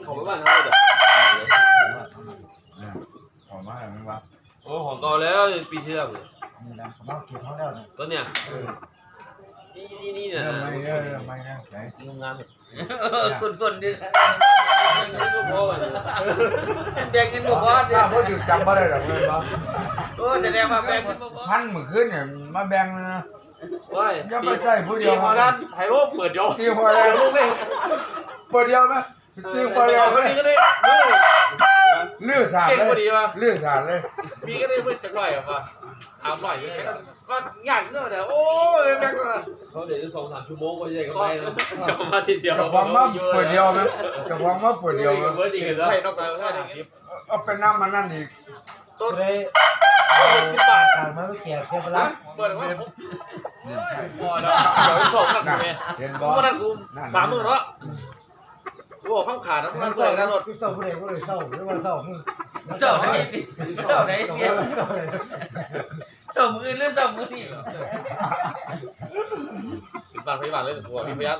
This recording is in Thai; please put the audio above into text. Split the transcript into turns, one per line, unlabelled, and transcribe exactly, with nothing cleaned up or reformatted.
ของไม่บ้านเขาเลย
หอมมากมั้งวะ
โอ้ของเก่าแล้วปีที่แล้วเลย
นี่นะผมเอาเก็บเขาแล้วนะ
ต้นเนี่ยนี่นี่นี่เนี่ย
ไม่เยอะไม่นะไหน
งงงามเลย
คนคนดิ
ลูกพ่อกัน
แดงกินบ่พอดิ
ถ้าพูดอยู่จำไม่ได้หรอกเลยปะ
โอ้แสดงว่าแบ่งกินบ่พอ
พันมือขึ้นเนี่ยมาแบ่งนะ
ว้าย
ยังไม่ใช่ผู้เดียว
พอนั้นไฮโร่เปิดยอ
ตีหัวแล้วลูกเลยเปิดเดียวนะตีหัวแล้ว
คนนี้ก็ได้เฮ้ย
เลือดสาดเลยเลือดสาดเลย
มีก็ได้เพื่อนสักหน่อยอ่ะป่ะอาบหน่อยก็งานเนอะแต่โอ้ยแม่งเขาเดี๋ยวจะสองสามชั่วโมงก็จะได้กำไรแล้วจะมาทีเดียว
จะความว่าเปิดเดียวนะจะความว่าเปิดเดียวนะ
เบอร์ดีกันแล้วให้นอกจากห้าสิบ
เอาเป็นน้ำมันนั่นอีก
ต้น
เลย
หกสิบบาท
การมาเก็บเก็บไปแล้ว
เปิดว่าพอแล้วเดี๋ยวสองกันกูเนี่ย
เห็นบ
กู
อ
มาดันกูสามหมื่นเนาะกูบอกข้ามขาดนะมันใส่กันหมด
ที่เศร้าผู้ใดผู้ใดเศร้าหรือว่าเศร้ามึง
เศร้าไหนเศร้าไหนเนี่ย
เศร้าเลย
เศร้ามือหรือเศร้ามือนี่
ถึงบาทพยาบาลเลยกูบอกพี่พยา